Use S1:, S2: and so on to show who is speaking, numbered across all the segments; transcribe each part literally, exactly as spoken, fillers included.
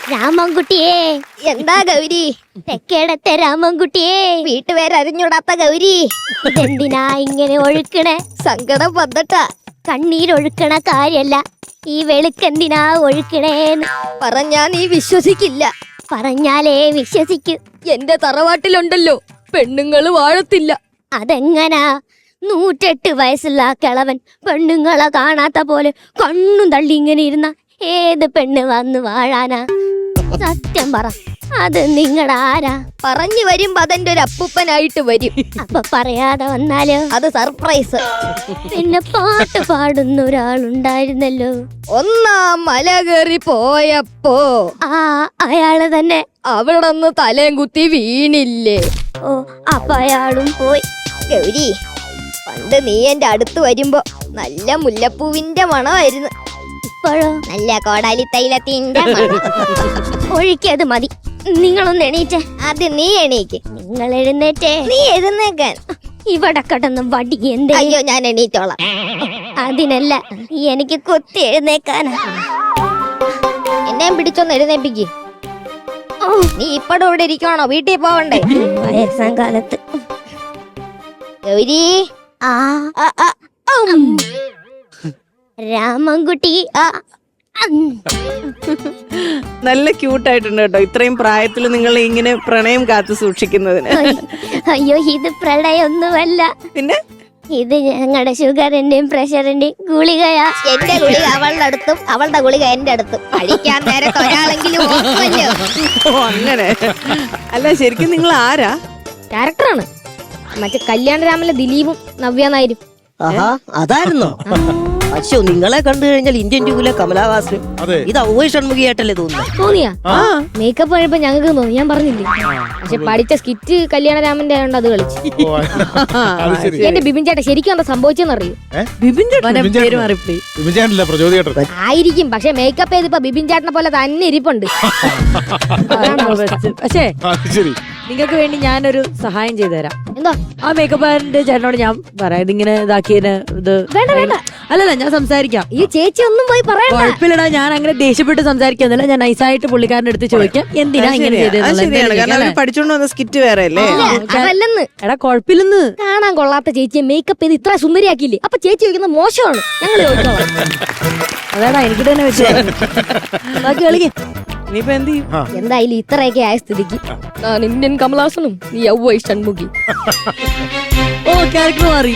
S1: രാമൻകുട്ടിയേ.
S2: എന്താ ഗൗരി?
S1: തെക്കേടത്തെ രാമൻകുട്ടിയേ.
S2: വീട്ടുപേരറിഞ്ഞൂടാത്ത ഗൗരി,
S1: ഇതെന്തിനാ ഇങ്ങനെ ഒഴുക്കണേ?
S2: സങ്കടം വന്നിട്ടാ.
S1: കണ്ണീരൊഴുക്കണ കാര്യല്ല, ഈ വെളുക്കെന്തിനാ ഒഴുക്കണേന്ന്
S2: പറഞ്ഞാ നീ വിശ്വസിക്കില്ല.
S1: പറഞ്ഞാലേ വിശ്വസിക്കൂ.
S2: എന്റെ തറവാട്ടിലുണ്ടല്ലോ പെണ്ണുങ്ങള് വാഴത്തില്ല.
S1: അതെങ്ങനാ? നൂറ്റെട്ട് വയസ്സുള്ള ആ കിളവൻ പെണ്ണുങ്ങളെ കാണാത്ത പോലെ കണ്ണും തള്ളി ഇങ്ങനെ ഇരുന്ന ഏത് പെണ്ണ് വന്ന് വാഴാനാ? സത്യം പറ, അത് നിങ്ങളുടെ ആരാ?
S2: പറഞ്ഞു വരുമ്പോ അതെന്റെ ഒരു അപ്പൂപ്പനായിട്ട് വരും.
S1: അപ്പൊ പറയാതെ വന്നാലോ?
S2: അത് സർപ്രൈസ്.
S1: പിന്നെ പാട്ട് പാടുന്ന ഒരാളുണ്ടായിരുന്നല്ലോ,
S2: ഒന്നാം മല കയറി പോയപ്പോ
S1: ആ അയാള് തന്നെ.
S2: അവിടന്ന് തലയും കുത്തി വീണില്ലേ?
S1: ഓ, അപ്പൊ അയാളും പോയി.
S2: ഗൗരി, പണ്ട് നീ എന്റെ അടുത്ത് വരുമ്പോ നല്ല മുല്ലപ്പൂവിന്റെ മണമായിരുന്നു.
S1: ഇപ്പോഴോ
S2: നല്ല കോടാലി തൈലത്തിന്റെ മണം.
S1: ഒഴിക്കത് മതി. നിങ്ങളൊന്ന് എണീറ്റേ.
S2: അത് നീ എണീക്ക്.
S1: നിങ്ങൾ എഴുന്നേറ്റേ.
S2: നീ എഴുന്നേക്കാൻ.
S1: ഇവിടെ കിടന്ന് വടി എന്തേ?
S2: അയ്യോ, ഞാൻ എണീറ്റോളാം.
S1: അതിനല്ല, എനിക്ക് കുത്തി എഴുന്നേക്കാനാ.
S2: എന്നെ പിടിച്ചൊന്ന് എഴുന്നേപ്പിക്ക്. നീ ഇപ്പഴും ഇവിടെ ഇരിക്കണോ? വീട്ടിൽ പോവണ്ടേ?
S1: വയസ്സാം കാലത്ത്.
S2: ഗൗരി,
S1: ആ രാമൻകുട്ടി.
S3: നല്ല ക്യൂട്ടായിട്ടുണ്ട് കേട്ടോ, ഇത്രയും പ്രായത്തിൽ നിങ്ങൾ ഇങ്ങനെ പ്രണയം കാത്തു സൂക്ഷിക്കുന്നതിന്.
S1: അയ്യോ, ഇത് പ്രളയൊന്നുമല്ല.
S3: പിന്നെ
S1: ഇത് ഞങ്ങളുടെ ഷുഗറിന്റെയും പ്രഷറിന്റെയും ഗുളികയാ.
S2: എന്റെ ഗുളിക അവളുടെ അടുത്തും അവളുടെ ഗുളിക എന്റെ അടുത്തും. കഴിക്കാൻ നേരത്തെ ഒരാളെങ്കിലും ഓർക്കുമല്ലോ.
S3: ഓ അങ്ങനെ. അല്ല, ശരിക്കും നിങ്ങൾ ആരാ?
S2: ക്യാരക്ടറാണ്. മറ്റേ കല്യാണരാമനിലെ ദിലീപും നവ്യ നായരും.
S4: ആഹാ, അതായിരുന്നോ? അശ്ശോ, നിങ്ങളെ കണ്ടു കഴിഞ്ഞാൽ ഇന്ത്യൻ ടൂവിലെ കമലഹാസനും ഇത് ഔവൈ ഷൺമുഖിയായിട്ടല്ലേ തോന്നുന്നു.
S2: തോന്നിയാ? മേക്കപ്പ് കഴിയുമ്പോ ഞങ്ങൾക്ക് തോന്നി, ഞാൻ പറഞ്ഞില്ലേ. പക്ഷെ പഠിച്ച സ്കിറ്റ് കല്യാണരാമന്റെ ആയതുകൊണ്ട് അത് കളിച്ചു. എന്റെ ബിബിൻ ചേട്ടാ ശരിക്കും എന്താ സംഭവിച്ചെന്നറിയോ?
S3: ബിബിൻ ചേട്ടൻ പേര് മാറിപ്പോയി.
S2: ആയിരിക്കും, പക്ഷെ മേക്കപ്പ് ചെയ്തിപ്പോ ബിബിൻ ചേട്ടനെ പോലെ തന്നെ ഇരിപ്പുണ്ട്.
S5: പക്ഷേ നിങ്ങൾക്ക് വേണ്ടി ഞാനൊരു സഹായം ചെയ്തു തരാം.
S2: എന്തോ?
S5: ആ മേക്കപ്പ് ചേട്ടനോട് ഞാൻ പറയാം, ഇതിങ്ങനെ ഇതാക്കിയതിന് ഇത്
S2: വേണ്ട വേണ്ട.
S5: അല്ലല്ല, ഞാൻ സംസാരിക്കാം.
S2: ഈ ചേച്ചി ഒന്നും പോയി പറയണ്ട.
S5: കുഴപ്പമില്ലടാ, ഞാൻ അങ്ങനെ ദേഷ്യപ്പെട്ട് സംസാരിക്കുന്നില്ല. ഞാൻ നൈസായിട്ട് പുള്ളിക്കാരന്റെ അടുത്ത് ചോദിക്കാം എന്തിനാ ഇങ്ങനെ ചെയ്തത്.
S3: പഠിച്ചോണ്ട് വന്ന സ്കിറ്റ് വേറെ അല്ലേ?
S2: അതല്ലെന്ന്.
S5: എടാ കുഴപ്പമില്ലെന്ന്.
S2: കാണാൻ കൊള്ളാത്ത ചേച്ചിയെ മേക്കപ്പ് ചെയ്ത് ഇത്ര സുന്ദരിയാക്കിയില്ലേ? അപ്പൊ ചേച്ചി ചോദിക്കുന്നത് മോശമാണ്. ഞങ്ങൾ ചോദിച്ചോളാം.
S5: അതാടാ എനിക്ക് തന്നെ വെച്ചു. ബാക്കി കളിക്കേ.
S3: ഇനിയിപ്പോ എന്ത് ചെയ്യും?
S2: എന്തായാലും ഇത്രയൊക്കെ ആയ സ്ഥിതിക്ക് ഞാൻ ഇന്ത്യൻ കമലഹാസനും നീ ഔവൈ ഷൺമുഖി.
S5: ഓ, ക്യാരക്ടർ മാറി.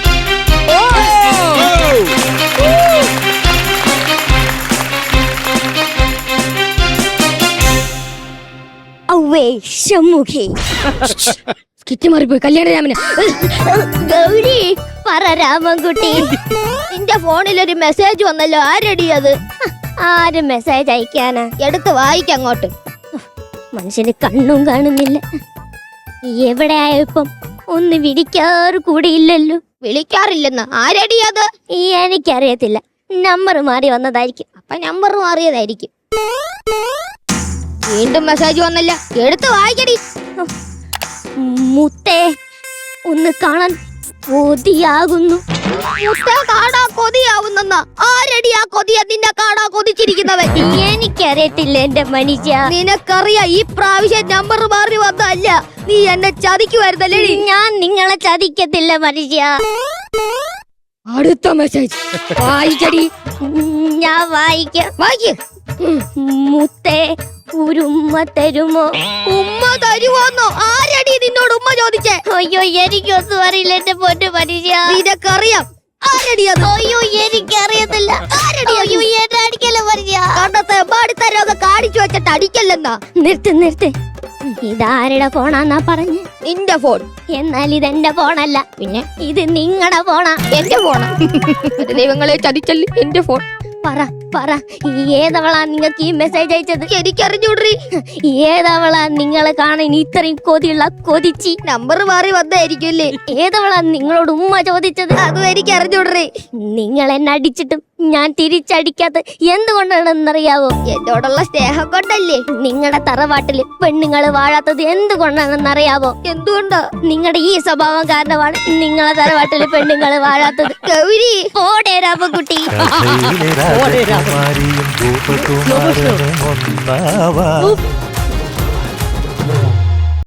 S1: ഔവേ ഷൺമുഖി.
S2: സ്കിറ്റ് മാറിപ്പോയി. കല്യാണരാമന്.
S1: ഗൗരി പറ രാമൻകുട്ടി.
S2: നിന്റെ ഫോണിലൊരു മെസ്സേജ് വന്നല്ലോ, ആരടി അത്?
S1: ആര് മെസ്സേജ് അയക്കാനാ?
S2: എടുത്ത് വായിക്കങ്ങോട്ട്.
S1: മനുഷ്യന് കണ്ണും കാണുന്നില്ല. എവിടെ ആയപ്പം ഒന്ന് വിളിക്കാറ് കൂടിയില്ലല്ലോ.
S2: വിളിക്കാറില്ലെന്ന് ആരടി അത്?
S1: ഈ എനിക്കറിയത്തില്ല, നമ്പർ മാറി വന്നതായിരിക്കും.
S2: അപ്പൊ നമ്പർ മാറിയതായിരിക്കും. വീണ്ടും മെസ്സേജ് വന്നല്ല, എടുത്ത് വായിക്കടി.
S1: മുത്തേ, ഒന്ന് കാണാൻ കൊതിയാകുന്നു.
S2: മുത്തേ, കാണാ കൊതിയാവുന്ന ആരടി ആ കൊതിയ നിന്നെ കാണാ കൊതിച്ചിരിക്കുന്നവൻ?
S1: എനിക്കറിയത്തില്ല എന്റെ മനുഷ്യ.
S2: നിനക്കറിയാ ഈ പ്രാവശ്യം നമ്പർ മാറി വന്നല്ല, നീ എന്നെ ചതിക്കുവായിരുന്നല്ലേ?
S1: ഞാൻ നിങ്ങളെ ചതിക്കത്തില്ല മനുഷ്യ.
S2: അടുത്ത മെസ്സേജ് വായിക്കടി.
S1: ഞാൻ വായിക്കാം.
S2: വായിക്ക്.
S1: മുത്തേ, ഒരു ഉമ്മ തരുമോ?
S2: ഉമ്മ തരുവോന്നോ? ആരടി നിന്നോട് ഉമ്മ ചോദിച്ചേ?
S1: അയ്യോ, എനിക്കൊന്നും അറിയില്ല എന്റെ പൊന്നു മനുഷ്യ.
S2: നിനക്കറിയാം ആരടി അത്?
S1: അയ്യോ, എനിക്കറിയത്തില്ല. അയ്യോ, എന്നെ അടിക്കല്ല മനുഷ്യ.
S2: കണ്ടത്തെ എമ്പാടിത്തരൊക്കെ കാണിച്ചു വെച്ചിട്ട് അടിക്കല്ലെന്നാ.
S1: നിർത്ത് നിർത്ത്. ഇതാരുടെ ഫോണാന്നാ പറഞ്ഞ്?
S2: നിന്റെ ഫോൺ.
S1: എന്നാൽ ഇതെന്റെ ഫോണല്ല.
S2: പിന്നെ
S1: ഇത് നിങ്ങളുടെ ഫോണാ.
S2: എന്റെ ഫോണാ. ദൈവങ്ങളെ ചതിച്ചല്ലേ എന്റെ ഫോൺ.
S1: പറ പറ, ഏതവളാ നിങ്ങൾക്ക് ഈ മെസ്സേജ് അയച്ചത്?
S2: എനിക്കറിഞ്ഞൂടറി.
S1: ഏതവളാ നിങ്ങളെ കാണാൻ ഇത്രയും കൊതിയുള്ള കൊതിച്ചി?
S2: നമ്പർ മാറി വന്നായിരിക്കുമല്ലേ?
S1: ഏതവളാ നിങ്ങളോട് ഉമ്മ ചോദിച്ചത്?
S2: അതും എനിക്കറിഞ്ഞൂടറി.
S1: നിങ്ങൾ എന്നെ അടിച്ചിട്ടും ഞാൻ തിരിച്ചടിക്കാത്ത എന്തുകൊണ്ടാണെന്നറിയാവോ? എന്നോടുള്ള സ്നേഹം കൊണ്ടല്ലേ. നിങ്ങളുടെ തറവാട്ടില് പെണ്ണുങ്ങള് വാഴാത്തത് എന്തുകൊണ്ടാണെന്നറിയാവോ? എന്തുകൊണ്ടാ? നിങ്ങളുടെ ഈ സ്വഭാവം കാരണമാണ് നിങ്ങളെ തറവാട്ടില് പെണ്ണുങ്ങള് വാഴാത്തത്. ഗൗരി പോടേ രാമൻകുട്ടി.
S6: രാജകുമാരിയും ഭൂപകുമാരനും ഒന്നാവാ